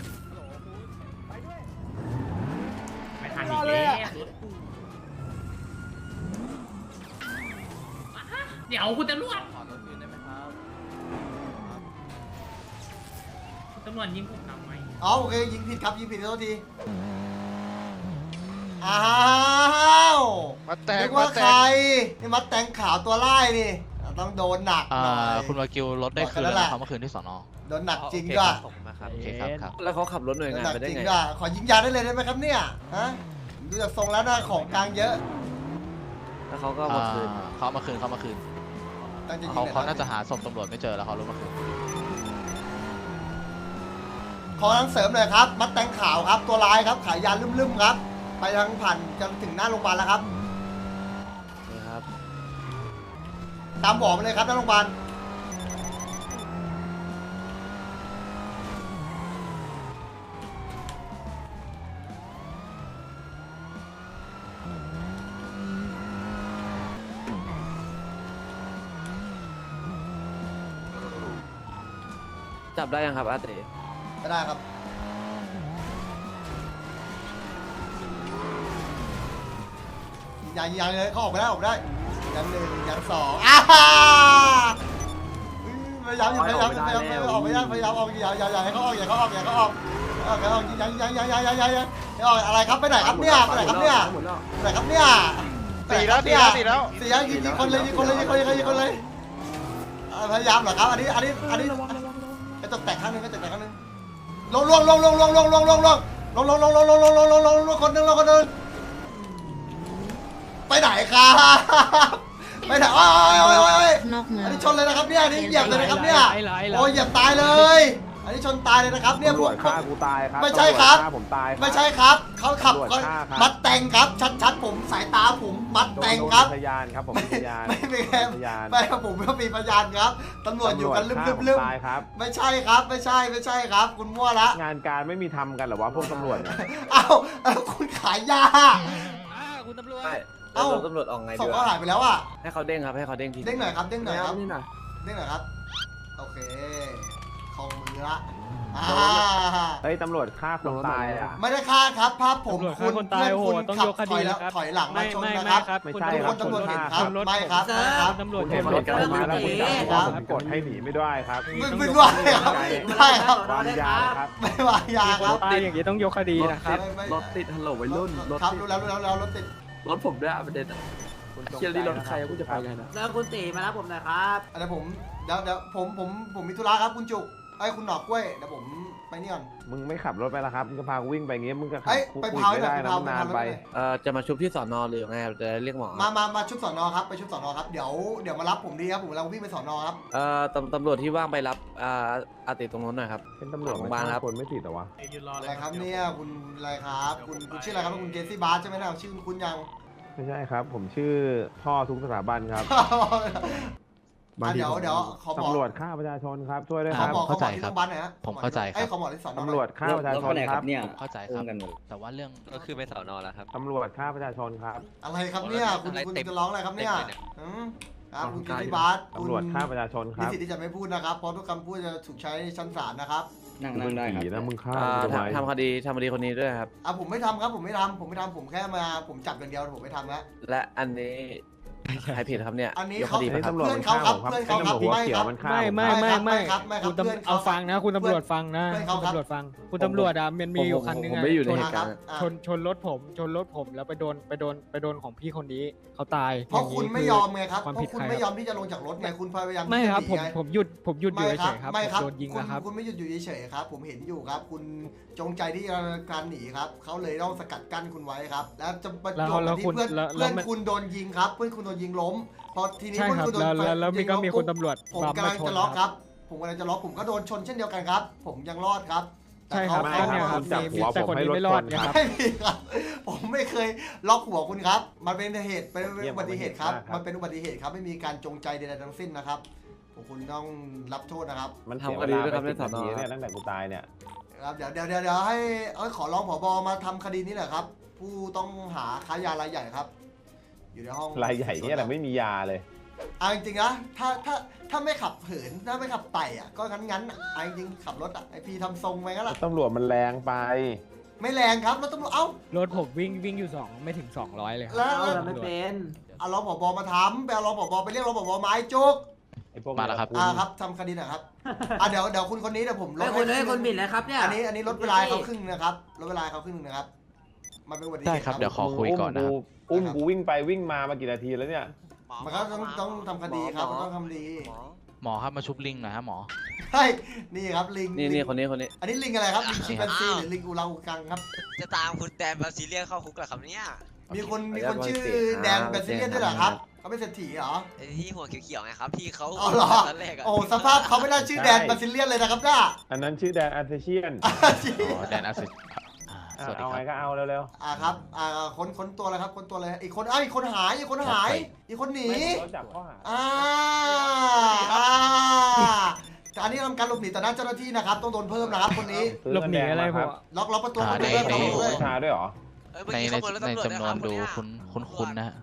Speaker 2: ไม่ทันอีกแล้ว
Speaker 10: เดี๋ยวคุณตำรวจ
Speaker 3: ขอรถคืนได้ไหมครับ
Speaker 10: ตำรวจยิงผมทำไม
Speaker 1: อ๋อโอเคยิงผิดครับยิงผิดโทษทีอ้าว
Speaker 2: มาแตง
Speaker 1: นึก
Speaker 2: มา
Speaker 1: ว่า
Speaker 2: แต
Speaker 1: ใครง นี่มัดแตงขาวตัวไล่นี่ต้องโดนหนักหน่อย
Speaker 11: คุณวากิวรถได้คืนแล้วนะครับเมื่อคืนที่สอนอ
Speaker 1: โดนหนักจริงด้วย
Speaker 11: โอเคครับครับ
Speaker 3: แล้วเขาขับรถหน่วย
Speaker 1: โดน
Speaker 3: งาน
Speaker 1: หนัก
Speaker 3: ไปได้
Speaker 1: จริง
Speaker 3: ไง
Speaker 1: ด้วยขอยิงยาได้เลยได้ไหมครับเนี่ยฮะดูจากทรงแล้วนะของกลางเยอะ
Speaker 3: แล้วเขาก็เอามาคืน
Speaker 11: อ่าเขาเอามาคืนเขาเอามาคืน
Speaker 1: ตั้งใจยิง
Speaker 11: เขา
Speaker 1: หน่อย
Speaker 11: เขาน่าจะหาศพตำรวจไม่เจอแล้วเขาลงมาคืน
Speaker 1: ขอทั้งเสริมเลยครับ มัดแตงขาวครับ ตัวร้ายครับขายยาลืมๆครับ ไปทางผ่านจนถึงหน้าโรงพยาบาลแล้วครับ
Speaker 3: นี่ครับ
Speaker 1: ตามบอกมาเลยครับหน้าโรงพยาบาล
Speaker 3: จับได้ยังครับอาเต้
Speaker 1: ไม่ได้ครับยังยังเลยเขาออกไปได้ออกไปได้ยังหนึ่งยังสองอ้าพยายามอยู่พยายามพยายามออกพยายามพยายามออกอย่าอย่าอย่าให้เขาออกอย่าเขาออกอย่าเขาออกอย่าเขาออกยังยังยังยังยังยังยังอะไรครับไปไหนครับเนี่ยไปไหนครับเนี่ยไปไหนครับเนี่ย
Speaker 5: สี่แล้วสี่แล้วสี่แล้ว
Speaker 1: สี่แล้วยิงยิงคนเลยยิงคนเลยยิงคนเลยยิงคนเลยพยายามเหรอครับอันนี้อันนี้อันนี้ไอ้ตกแตกข้างนึงไอ้ตกแตกข้างนึงลงลงลงลงลงลงลงลงลงลงลงลงลงลงลงลงลงลงลงคนนึงลงคนนึงไปไหนครับไปไหนโอ้ยโอ้ยโอ้ยอันนี้ชนเลยนะครับเนี่ยอันนี้เหยียบเลยนะครับเนี่ยโอ้ยเหยียบตายเลยอันนี้ชนตายเลยนะครับเนี่ยพวกฆ่ากูตายครับไม่ใช่ครับผมตายไม่ใช่ครับเขาขับมัดแต่งครับชัดๆผมสายตาผมมัดแต่งครับพยานครับผมพยานไม่ไม่แค่ไม่ครับผมก็มีพยานครับตำรวจอยู่กันลืมลืมลืมไม่ใช่ครับไม่ใช่ไม่ใช่ครับคุณมั่วละงานการไม่มีทำกันหรอวะพวกตำรวจเอ้าคุณขายยา
Speaker 3: คุณตำรวจ
Speaker 1: เอ้า
Speaker 3: ตำรวจออกไง
Speaker 1: ศพเขาหายไปแล้วอ่ะ
Speaker 3: ให้เขาเด้งครับให้เขาเด้งที
Speaker 1: เด้งหน่อยครับเด้งหน่อยครับเด้งหน่อยครับโอเคของมือละเฮ้ยตำรวจฆ่าคนตายอ่ะไม่ได้ฆ่าครับภาพผมคุณเพื่อนคุณขับถอยแล้วถอยหลังมาชนนะครับไม่ใช่ครับตำรวจเห็นครับไม่ครับครับตำรวจเห็นกันมาแล้วคุณจับผมกดให้หนีไม่ได้ครับไม่ไม่ได้ครับได้ครับวางยาครับไม่วางยาครับ
Speaker 8: ตายอย่างนี้ต้องยกคดีนะครับ
Speaker 7: รถติดฮัลโหลวัยรุ่นรถ
Speaker 1: ครับรู้แล้วรู้แล้วรถติด
Speaker 7: รถผมด้วยประเด็นเชียร์ลีรถใครกูจะไปไงนะ
Speaker 12: แล้วคุณตีมารับผมหน่อยครับ
Speaker 1: อะไรผมเดี๋ยวเดี๋ยวผมผมผมมีธุระครับคุณจุกไอ้คุณหนอกกล้วยเดี๋ยวผมไปนี่ก่อนมึงไม่ขับรถไปแล้วครับมึงก็พากูวิ่งไปงี้มึงก็ขับไปพาวไม่ได้นะนานไป
Speaker 3: เอ่อจะมาชุบที่สอนอหรือไงจะเรียกหมอ
Speaker 1: มามามาชุบสอนอครับไปชุบสอนอครับเดี๋ยวเดี๋ยวมารับผมดีครับผมกำลังวิ่งไปสอนอครับ
Speaker 3: เอ่อตำตำรวจที่ว่างไปรับอ่าอาติตรงนู้นหน่อยครับ
Speaker 1: เป็นตำรวจของบ้านครับคนไม่ติดหรอวะอะไรครับเนี่ยคุณอะไรครับคุณคุณชื่ออะไรครับคุณเกซี่บาร์ใช่ไหมนะชื่อคุณยังไม่ใช่ครับผมชื่อพ่อทุกสถาบันครับเดี๋ยวเดี๋ยวขอบอกตำรวจฆ่าประชาชนครับช่วยด้วยครับ
Speaker 11: เข้าใจครับผมเข้าใจครั
Speaker 1: บขอบอกที่สอนอ
Speaker 5: ตำรวจฆ่าประชาชนครับ
Speaker 11: เนี่ยเข้าใจครับแต่ว่าเรื่อง
Speaker 3: ก็คือไปสอนอแล้วครับ
Speaker 5: ตำรวจฆ่าประชาชนครับ
Speaker 1: อะไรครับเนี่ยคุณคุณจะร้องอะไรครับเนี่ยครับคุณกิติบัตร
Speaker 5: ตำรวจฆ่าประชาชนครับ
Speaker 1: มีสิทธิ์ที่จะไม่พูดนะครับเพราะทุกคำพูดจะถูกใช้ในชั้นศาลนะครับ
Speaker 5: นั่งนั่งได้ครับนะมึงฆ่า
Speaker 3: ทำคดีทำคดีคนนี้ด้วยครับ
Speaker 1: อ่ะผมไม่ทำครับผมไม่ทำผมไม่ทำผมแค่มาผมจับอย่างเดียวผมไม่ทำแล้ว
Speaker 3: และอันนี้ใครผิดครับเนี่ย
Speaker 1: อันนี้เขาเพื่อนเขาครับเพื่อนเขาครับไม่ครับ
Speaker 8: ไม่ไม่ไม่ไม่คุณตำรวจเอาฟังนะคุณตำรวจฟังนะคุณตำรวจฟังคุณตำรวจอ่ะมันมีอยู่คันนึงอ่ะชนชนรถผมชนรถผมแล้วไปโดนไปโดนไปโดนของพี่คนนี้เขาตาย
Speaker 1: เพราะคุณไม่ยอมไงครับเพราะคุณไม่ยอมที่จะลงจากรถไงคุณพยายาม
Speaker 8: ไม่ครับผมผมหยุดผมหยุดอยู่เฉยครับโดนยิงนะครับ
Speaker 1: คุณไม่หยุดอยู่เฉยครับผมเห็นอยู่ครับคุณจงใจที่จะการหนีครับเขาเลยต้องสกัดกั้นคุณไว้ครับแล้วจะประจวบที่เพื่อนเพื่อนคุณโดนยิงครับเพื่อนคุณโดนยิงล้มพอทีนี้เพื่อนคุณโดน
Speaker 8: แล้วแล้วมีก็มีคนตำรวจ
Speaker 1: ผมกำลังจะล็อกครับผมกำลังจะล็อกผมก็โดนชนเช่นเดียวกันครับผมยังรอดครับ
Speaker 8: ใช่ครับเนี่ยครับมีแต่คนนี้ไม่รอดนะครับ
Speaker 1: ไม่มีครับผมไม่เคยล็อกหัวคุณครับมันเป็นเหตุเป็นอุบัติเหตุครับมันเป็นอุบัติเหตุครับไม่มีการจงใจใดๆทั้งสิ้นนะครับคุณต้องรับโทษนะครับ
Speaker 5: มันทำคดีด้วยครับในสอนอเนี่ยตั้งแต่กูตายเนี่ย
Speaker 1: ครับเดี๋ยวเดี๋ยวเดี๋ยวให้ขอร้องผบมาทำคดีนี้แหละครับผู้ต้องหาค้ายารายใหญ่ครับอยู่ในห้อง
Speaker 5: รายใหญ่เนี่ยแหละไม่มียาเลย
Speaker 1: อ่ะจริงๆนะถ้าถ้าถ้าไม่ขับเหินถ้าไม่ขับไต่อ่ะก็งั้นงั้นอ่ะจริงขับรถอ่ะไอพีทำทรงไปงั้นแหละ
Speaker 5: ตำรวจมันแรงไป
Speaker 1: ไม่แรงครับรถตำรวจเอ้าร
Speaker 8: ถผมวิ่งวิ่งอยู่สองไม่ถึงสองร้อยเลย
Speaker 1: แล้ว
Speaker 12: ไม่เป็น
Speaker 1: เอารองผบมาทำไปเอารองผบไปเรียกรองผบไม้จุก
Speaker 11: มาแล้วครับ
Speaker 1: อ่าครับทำคดีนะครับอ่ะเดี๋ยวเดี๋ยวคุณคนนี้เดี๋ยวผม
Speaker 12: ลดให้คนให้คนบิดเลยครับเนี่ย
Speaker 1: อันนี้อันนี้ลดเวลาเขาครึ่งนะครับลดเวลาเขาครึ่งนะครับมันเป็นอุบัติเหตุ
Speaker 11: ได้ครับเดี๋ยวขอคุยก่อนนะ
Speaker 5: อุ้มกูวิ่งไปวิ่งมามากี่นาทีแล้วเนี่ย
Speaker 1: มันก็ต้องต้องทำคดีครับต้องทำดี
Speaker 11: หมอครับมาชุบลิงหน่อยฮะหมอ
Speaker 1: ใช่นี่ครับลิง
Speaker 3: นี่นี่คนนี้คนนี้
Speaker 1: อันนี้ลิงอะไรครับลิงชิมแปนซีหรือลิงอูรังอูกังครับ
Speaker 6: จะตามคุณแดนบาซิเลียนเข้าคุกเหรอครับเนี่ย
Speaker 1: มีคนมีคนชื่อแดนบาซิเลียนด้วยเหรอครับเขาเป็นเศรษฐีเหรอ
Speaker 6: ที่หัวเขียวๆไงครับพี่เขา
Speaker 1: อ๋อเหรอโอ้สภาพเขาไม่น่าชื่อแดนบาซิเลียนเลยนะครับน้า
Speaker 5: อันนั้นชื่อแดนอาร์เทเชียน
Speaker 11: แดนอาร์เท
Speaker 5: เอาไงก็เอาเร็ว
Speaker 1: ๆอ่าครับอ่าคนคนตัวอะไรครับคนตัวอะไรอีกคนอ้าวอีกคนหายอีกคนหายอีกคนหนี
Speaker 5: จับข้อหา
Speaker 1: อ่าอ่าอันนี้ทำการหลบหนีต่อหน้าเจ้าหน้าที่นะครับต้องโดนเพิ่มนะครับคนนี้
Speaker 8: หลบหนีอะไรผม
Speaker 1: ล็อกล็อกประตูประตูเพิ่ม
Speaker 5: ด้วยชาด้วยหรอ
Speaker 11: ในในในจำนวนดูคุ้นคุ้นคุ้นนะฮะจ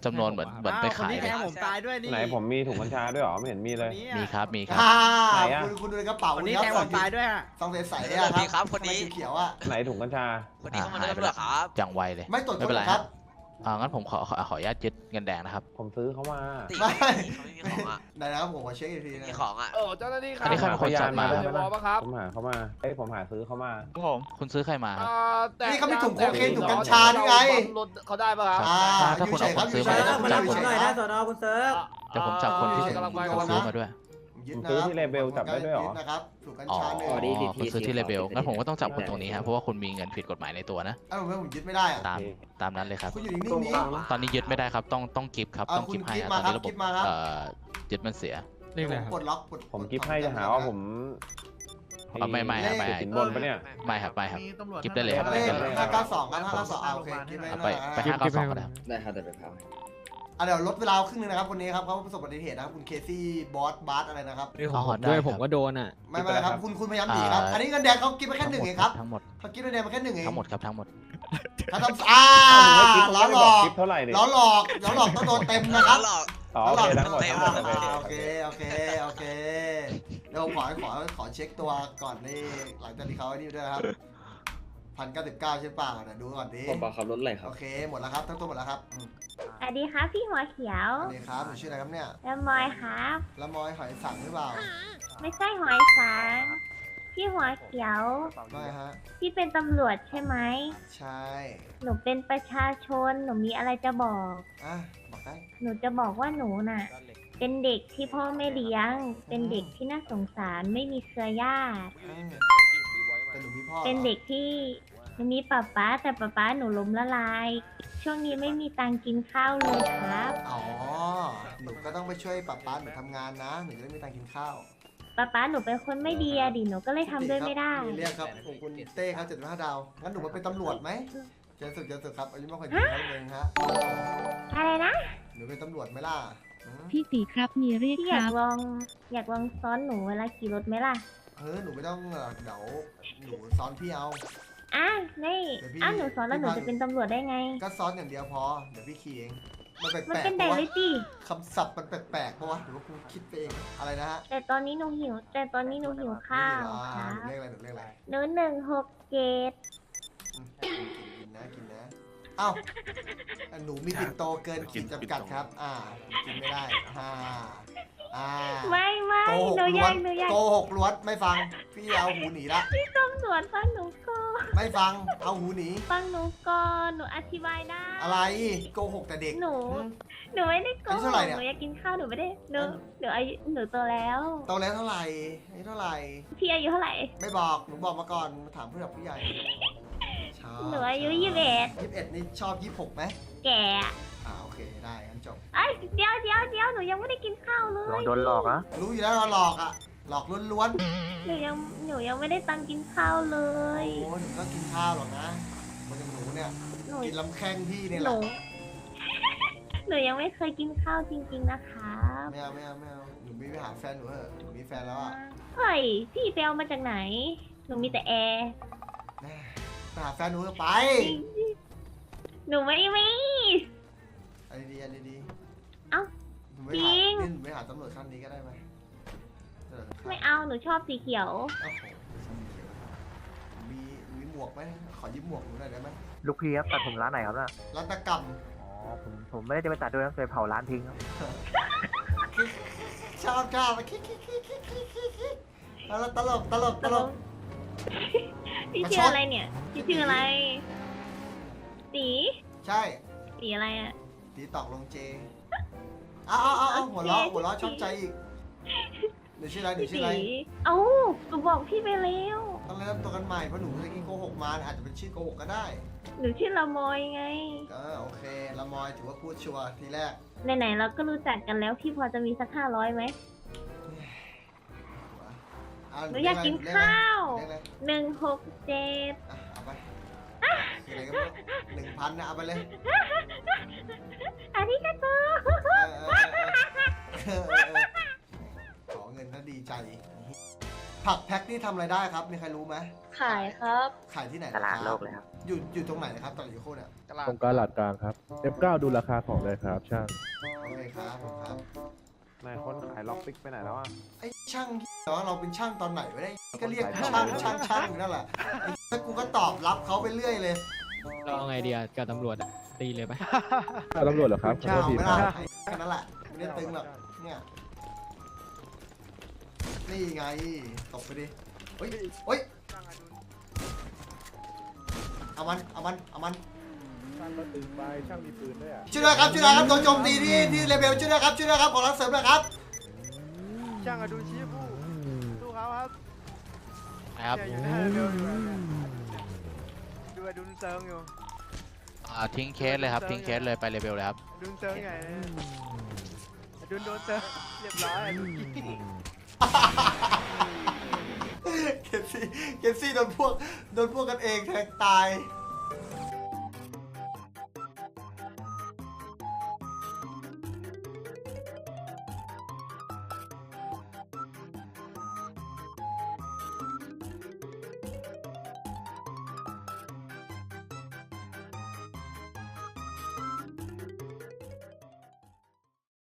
Speaker 11: จำนวนเหมือนเหมือนไปขายเลย
Speaker 12: ผมตายด้วยนี่
Speaker 5: ไหนผมมีถุงกัญชาด้วยเหรอไม่เห็นมีเลย
Speaker 11: มีครับมีครับ
Speaker 1: อ่า
Speaker 5: ไหนอะ
Speaker 1: คุณคุณดูในกระเป๋า
Speaker 12: คนนี้
Speaker 1: ครั
Speaker 12: แทงผมตายด้วยอะ
Speaker 1: ซองใสๆอะครับคนนี้เขียวๆอะ
Speaker 5: ไหนถุงกัญชา
Speaker 11: คนนี้เข้ามาได้หรอครับอย่างไวเลย
Speaker 1: ไม่ตรวจ
Speaker 11: ไม่เป็นไร
Speaker 1: ค
Speaker 11: ค
Speaker 1: รั
Speaker 11: รับ บอ่างั้นผมขอขอขออนุญาตยึดเงินแดงนะครับ
Speaker 5: ผมซื้อเขามา
Speaker 1: ไม่ไหนนะครับผมขอเช็คอีกทีนะ
Speaker 6: ของอ่ะ
Speaker 3: โอ้เจ้าหน้าที่ครั
Speaker 11: อันนี้ใครเป็นคนจับมา
Speaker 5: ได้
Speaker 3: ได้
Speaker 5: ไหม
Speaker 3: บอปะครับ
Speaker 5: ผมหาเขามาเอ้ยผมหาซื้อเขามา
Speaker 2: ครับผม
Speaker 11: คุณซื้อใครมาครับ
Speaker 3: อ่าแต่
Speaker 1: นี่เขามีถุงโคเคนถุงกัญชานี่ไง
Speaker 3: รถเขาได้ปะครับ
Speaker 1: อ่า
Speaker 11: ถ้า
Speaker 1: อ
Speaker 11: คุ
Speaker 1: ยู่
Speaker 11: ณ
Speaker 1: เฉ
Speaker 11: เอา
Speaker 1: ย
Speaker 11: ค
Speaker 1: ครับ
Speaker 11: น
Speaker 1: อยู่
Speaker 11: ซื้อ
Speaker 1: เฉ
Speaker 11: มาย
Speaker 1: ครับ
Speaker 11: เดี๋ยว
Speaker 1: อ
Speaker 11: ผม
Speaker 1: ยู่
Speaker 11: จับ
Speaker 1: เฉ
Speaker 11: คน
Speaker 1: ยครับ
Speaker 12: หน่อยนะสอนอคุณเซิร์ฟ
Speaker 11: เดี๋ยวผมจับคนที่
Speaker 1: อ่า
Speaker 11: ซื้อ
Speaker 3: กำลังไป
Speaker 11: คนซื้อมาด้วย
Speaker 1: ยึด
Speaker 5: ผม
Speaker 1: นะ
Speaker 5: ซื้อ
Speaker 1: ครับ
Speaker 5: ที่เลเบลจับได้ด้วยเหรอ
Speaker 1: ยึนะครับถุงกัญ
Speaker 11: อ๋อ
Speaker 1: ชาหนึ่ง
Speaker 12: อ๋อดีดี
Speaker 11: คุณซื้อที่เลเบลงั้นผมก็ต้องจับคุณตรงนี้ครับเพราะว่าคุณมีเงินผิดกฎหมายในตัวนะ
Speaker 1: เอ้าทำไมผมยึดไม่ได้อะ
Speaker 11: ตามตามนั้นเลยครับ
Speaker 1: คุณอยู่นิ่งๆนี้
Speaker 11: ตอนนี้ยึดไม่ได้ครับต้องต้องกิฟต์ครับ
Speaker 1: เอา
Speaker 11: ต้องกิฟต์ให้
Speaker 1: คุณ
Speaker 11: ครับ
Speaker 1: กิฟต์
Speaker 11: ตอน
Speaker 1: มาครับกิฟต์มาครับ
Speaker 11: นี้ระบบเอ่อยึดมันเสีย
Speaker 8: เรียกอะไรครับ
Speaker 1: ปลดล็อกปลด
Speaker 5: ผมกิฟต์ให้จะหาว่าผม
Speaker 11: อ๋อไม่ไม่ครับไม่
Speaker 5: ติดสินบนปะเนี่ย
Speaker 11: ไม่ครับไม่ครับกิฟต์ได้เลยครับ
Speaker 1: เล
Speaker 11: ไม่
Speaker 1: ข
Speaker 11: เป็นไร
Speaker 1: ห้าเก้าสองครับห้าเก้าสองอ่าโอเคกิฟต์
Speaker 11: เอา
Speaker 1: ไป
Speaker 11: ไป
Speaker 1: หน่อยนะ
Speaker 11: ไปห้าเก้าสองก็ได้ครับ
Speaker 12: ได้ครับแต่ไปพา
Speaker 1: อ่ะเดี๋ยวลดเวลาครึ่งนึงนะครับคนนี้ครับเขาประสบอุบัติเหตุนะครับคุณเคซี่บอสบาร์อะไรนะครับ
Speaker 8: นี่ของ
Speaker 11: อ๋
Speaker 8: ผ
Speaker 11: อ
Speaker 8: มด้วย
Speaker 11: ได้ครับ
Speaker 8: ผมก็โดนอ่ะ
Speaker 1: ไม่ไม่ครับคุณคุณพยายามหนีครับ
Speaker 11: อ่า
Speaker 1: อันนี้เงินแดงเขากินไปแค่หนึ่งเองครับ
Speaker 11: ทั้งหมด
Speaker 1: เขากินเงินแดงมาแค่หนึ่งเอง
Speaker 11: ทั้งหมดครับทั้งหมด
Speaker 1: เขาทำอ่า
Speaker 5: เอ้าผม
Speaker 1: ล้อ
Speaker 5: ไม่
Speaker 1: หล
Speaker 5: บอก
Speaker 1: อก
Speaker 5: กิฟต์เท่าไหร่เนี่ย
Speaker 1: ล้อหลอกล้อหลอกต้องโดนเต็มนะครับ
Speaker 5: อ๋อโอเคทั้งหมดทั้งหมดโอเค
Speaker 1: โอเคโอเคโอเคเดี๋ยวผมขอขอขอเช็คตัวก่อนนี่หลังจากที่เขาไอ้นี่ด้วยนะครับพันเก้าสิบเก้าใช่เปล่าเดี๋ยวดูก่อนดิ
Speaker 12: ผมบอกขับรถอะไรครับ
Speaker 1: โอเคหมดแล้วครับทั้งตัวหมดแล้วครับอืม
Speaker 4: สวัสดีครับพี่หัวเขียว
Speaker 1: อันนี้ครับหนูชื่ออะไรครับเนี่ย
Speaker 4: แล้วมอยครับ
Speaker 1: ละมอยหอยสังหรือเปล่า
Speaker 4: ไม่ใช่หอยสังพี่หัวเขียว
Speaker 1: ไม่ฮะ
Speaker 4: พี่เป็นตำรวจใช่ไหม
Speaker 1: ใช่
Speaker 4: หนูเป็นประชาชน หนูมีอะไรจะบอก
Speaker 1: อ่ะบอกได้
Speaker 4: หนูจะบอกว่าหนูน่ะ เป็นเด็กที่พ่อไม่เลี้ยง เป็นเด็กที่น่าสงสารไม่มีเครือญาติ
Speaker 1: อ่าแต่หนูมีพ่อ
Speaker 4: เป็นเด็กที่หนูมีป้าป๊าแต่ป้าป๊าหนูล้มละลาย ช่วงนี้ไม่มีตังค์กินข้าวเลยครับ
Speaker 1: อ๋อหนูก็ต้องไปช่วยป้าป๊าหนูทำงานนะหนูจะได้มีตังค์กินข้าว
Speaker 4: ป้าป๊าหนูเป็นคนไม่ดีอะดิหนูก็เลยทำด้วยไม่ได้
Speaker 1: เรียกครับผมคุณเต้ครับเจ็ดสิบห้าดาวงั้นหนูมาเป็นตำรวจไหมเจนสุดเจนสุดครับอายุมากกว่าหนึ่งเท่านึงฮะ
Speaker 4: อะไรนะ
Speaker 1: หนูเป็นตำรวจไหมล่ะอืม
Speaker 9: พี่ตีครับมีเรียก
Speaker 4: พี่
Speaker 9: ค
Speaker 4: อยา
Speaker 9: รั
Speaker 4: ก
Speaker 9: บ
Speaker 4: ลองอยากลองซ้อนหนูเวลาขี่รถไหมล่ะ
Speaker 1: เออหนูไม่ต้องหรอกเดี๋ยวหนูซ้อนพี่เอา
Speaker 4: อ่ะนี่
Speaker 1: เดี๋ยวพี่
Speaker 4: อ้าวหนูซ้อนแล้วหนู
Speaker 1: พี่พา
Speaker 4: จะเป็นตำรวจได้ไง
Speaker 1: ก็ซ้อนอย่างเดียวพอเดี๋ยวพี่ขี่เองมันแปลกๆ
Speaker 4: มันเป็นได
Speaker 1: ปะวะ
Speaker 4: เลยจี
Speaker 1: คำศัพท์มันแปลกๆปะวะหรือว่ากูคิดไปเองอะไรนะฮะ
Speaker 4: แต่ตอนนี้หนูหิว แต่ตอนนี้หนูหิวข้าว
Speaker 1: อ่
Speaker 4: ครั
Speaker 1: หนู
Speaker 4: บ
Speaker 1: เรียกอะไรหนูเรียกอะไร
Speaker 4: หนูหนึ่งหกเจ็ด
Speaker 1: อืมกินนะกินนะเอ้าอ่ะหนูมีปิ่นโตเกินขีดจำกัดครับ อ่ากินไม่ได้อ่าอ่า
Speaker 4: ไม่ไม่
Speaker 1: โกหก
Speaker 4: หนูอ
Speaker 1: ล้
Speaker 4: ยาว ก
Speaker 1: น
Speaker 4: หนูอยาก
Speaker 1: โกหกล้วนไม่ฟังพี่เอาหูหนีละ
Speaker 4: พี่ตำรวจฟังหนูก่อน
Speaker 1: ไม่ฟังเอาหูหนี
Speaker 4: ฟังหนูก่อนหนูอธิบายได้
Speaker 1: อะไรโกหกแต่เด็ก
Speaker 4: หนู หนูไม่ได้โก
Speaker 1: อายุ
Speaker 4: ห
Speaker 1: เท่าก ไหร่เนี่ย
Speaker 4: หนูอยากกินข้าวหนูไม่ได้หนูหนูอายุหนูโตแล้ว
Speaker 1: โตแล้วเท่าไหร่อายุเท่าไหร่
Speaker 4: พี่อายุเท่าไหร่
Speaker 1: ไม่บอกหนูบอกมาก่อนถามผู้หลักผู้ใหญ่ชอบ
Speaker 4: หนูอายุยี่สิบเอ็ด
Speaker 1: ยี่สิบเอ็ดนี่ชอบยี่สิบหกไหม
Speaker 4: แก่อะ
Speaker 1: อ่าโอเคได้งั้นจบ
Speaker 4: เอ้ยเดี๋ยวเดี๋ยวเดี๋ยวหนูยังไม่ได้กินข้าวเลย
Speaker 5: โดนหลอกนะ
Speaker 1: รู้อยู่แล้วว่าหลอกอ่ะหลอกล้วน
Speaker 4: หนูยังหนูยังไม่ได้ตังค์กินข้าวเล
Speaker 1: ๆ
Speaker 4: ย
Speaker 1: โอ้หนูก็กินข้าวหรอกนะมันอย่างหนูเนี่ย
Speaker 4: หนู
Speaker 1: กินลำแข้งพี่เนี่ย
Speaker 4: ห
Speaker 1: แห
Speaker 4: นู
Speaker 1: ละ
Speaker 4: หนูยังไม่เคยกินข้าวจริงๆนะคะ
Speaker 1: ไม่เอาไม่เอาไม่เอาหนูไม่ไปหาแฟนหนูเถอะหนูมีแฟนแล้วอ่ะ
Speaker 4: เฮ้ยพี่ไปเอามาจากไหน หนูมีแต่แอร์
Speaker 1: ไปหาแฟนหนูเถอะไป
Speaker 4: หนูไม่มี
Speaker 1: อันนี้ดีอันนี้ดี
Speaker 4: เอ้า
Speaker 1: หนูไม่
Speaker 4: จริ
Speaker 1: หาง นี่หนูไม่หาตำรวจขั้นนี้ก็ได้ไหมเออครับ
Speaker 4: ไม่เอาหนูชอบสีเขียว
Speaker 1: โอ้โหมีมีหมวกไหมขอยืมหมวกหนูหน่อยได้ไหม
Speaker 5: ลูกพี่ครับตัดผมร้านไหนครับน่ะ
Speaker 1: รัตกรรม
Speaker 5: อ๋อผมผมไม่ได้จะไปตัดด้วยนะเคยเผาร้านทิ้งครับ
Speaker 1: ชอบชอบคิกคิกคิกคิกคิกคิกคิกแล้วตลกตลกตลก
Speaker 4: พี่
Speaker 1: มา
Speaker 4: ชื่
Speaker 1: ช
Speaker 4: อน อะไรเนี่ย พี่ชื่ออะไร สี
Speaker 1: ใช่
Speaker 4: สีอะไรอะ
Speaker 1: ตีตอกลงเจเอาเอาเอาเอาหัวล้อหัวล้อชอบใจอีกหนูชื่ออะไรหนู
Speaker 4: พี่
Speaker 1: ชื่อ
Speaker 4: สี
Speaker 1: อะไร
Speaker 4: เอ้าหนูบอกพี่ไปแล้ว
Speaker 1: ต้องเริ่มตัวกันใหม่เพราะหนูเมื่อกี้โกหกมาอาจจะเป็นชื่อโกหกก็ได้
Speaker 4: หนูชื่อละมอยไง
Speaker 1: ก็โอเคละมอยถือว่าพูดชัวร์ทีแรก
Speaker 4: ไหนๆเราก็รู้จักกันแล้ว พี่พอจะมีสักห้าร้อยไหม
Speaker 1: อ่ะ
Speaker 4: หนูอยากกินข้าว
Speaker 1: เรียกอะไร
Speaker 4: หนึ่งหกเจ็ด
Speaker 1: อ่ะเอาไปคืออะไรก็ไม่รู้หนึ่งพันนะเอาไปเลย
Speaker 4: อันนี้ก็ตัว
Speaker 1: เออเออเออเออเออเออขอเงินก็ดีใจผักแพ็คนี่ทำอะไรได้ครับ มีใครรู้ไหม
Speaker 4: ขายครับ
Speaker 1: ขายที่ไหน
Speaker 12: ตลาดโลกเลยครับ
Speaker 1: อยู่อยู่ตรงไหนนะครับตลาดยูโคเนี่ย
Speaker 5: ตรงกลาดกลางครับ เอฟ เก้า ดูราคาของเลยครับช่าง
Speaker 1: โอเคครับผมครับ
Speaker 5: นายคนขายล็อกปิกไปไหนแล้วอ่ะ
Speaker 1: ไอ้ช่างที่เหรอเราเป็นช่างตอนไหนวะเนี่ยก็เรียกช่างช่างช่างอยู่นั่นแหละไอ้ถ้ากูก็ตอบรับเขาไปเรื่อยเลย
Speaker 8: เราเอาไงดีอะกับตำรวจอะตีเลยไหม
Speaker 5: ตำรวจเหรอครับขอโทษ
Speaker 1: เอา
Speaker 5: ที
Speaker 1: ไม่
Speaker 5: ค
Speaker 1: ได้
Speaker 5: รับ
Speaker 1: ไอ้แค่นั้นแหละไม่ได้ตึงหรอกเนี่ยนี่ไงตบไปดิเฮ้ยเฮ้ยเอามันเอามันเอามัน
Speaker 5: ช่างก็ตึงไปช่างมีปืนด้วยอ่ะ
Speaker 1: ช่วยด้วยครับช่วยด้วยครับโดนโจมตีที่ที่เลเบลช่วยด้วยครับช่วยด้วยครับขอรับเสริมหน่อยครับ
Speaker 5: ช่างอดุลชี้ผู้สู้เขาครับ
Speaker 11: นะครับ
Speaker 5: อยู่หน้าเร็วอยู่ดูอดุลเซิงอยู่
Speaker 11: อ่าทิ้งเคสเลยครับ ทิ้งเคสเลยไปเลเวลเลยครับ
Speaker 5: อดุลเซิงไงอดุลโดนเซิงเรียบร้อย
Speaker 1: เกมซี่เกมซี่โดนพวกโดนพวกกันเองแทงตาย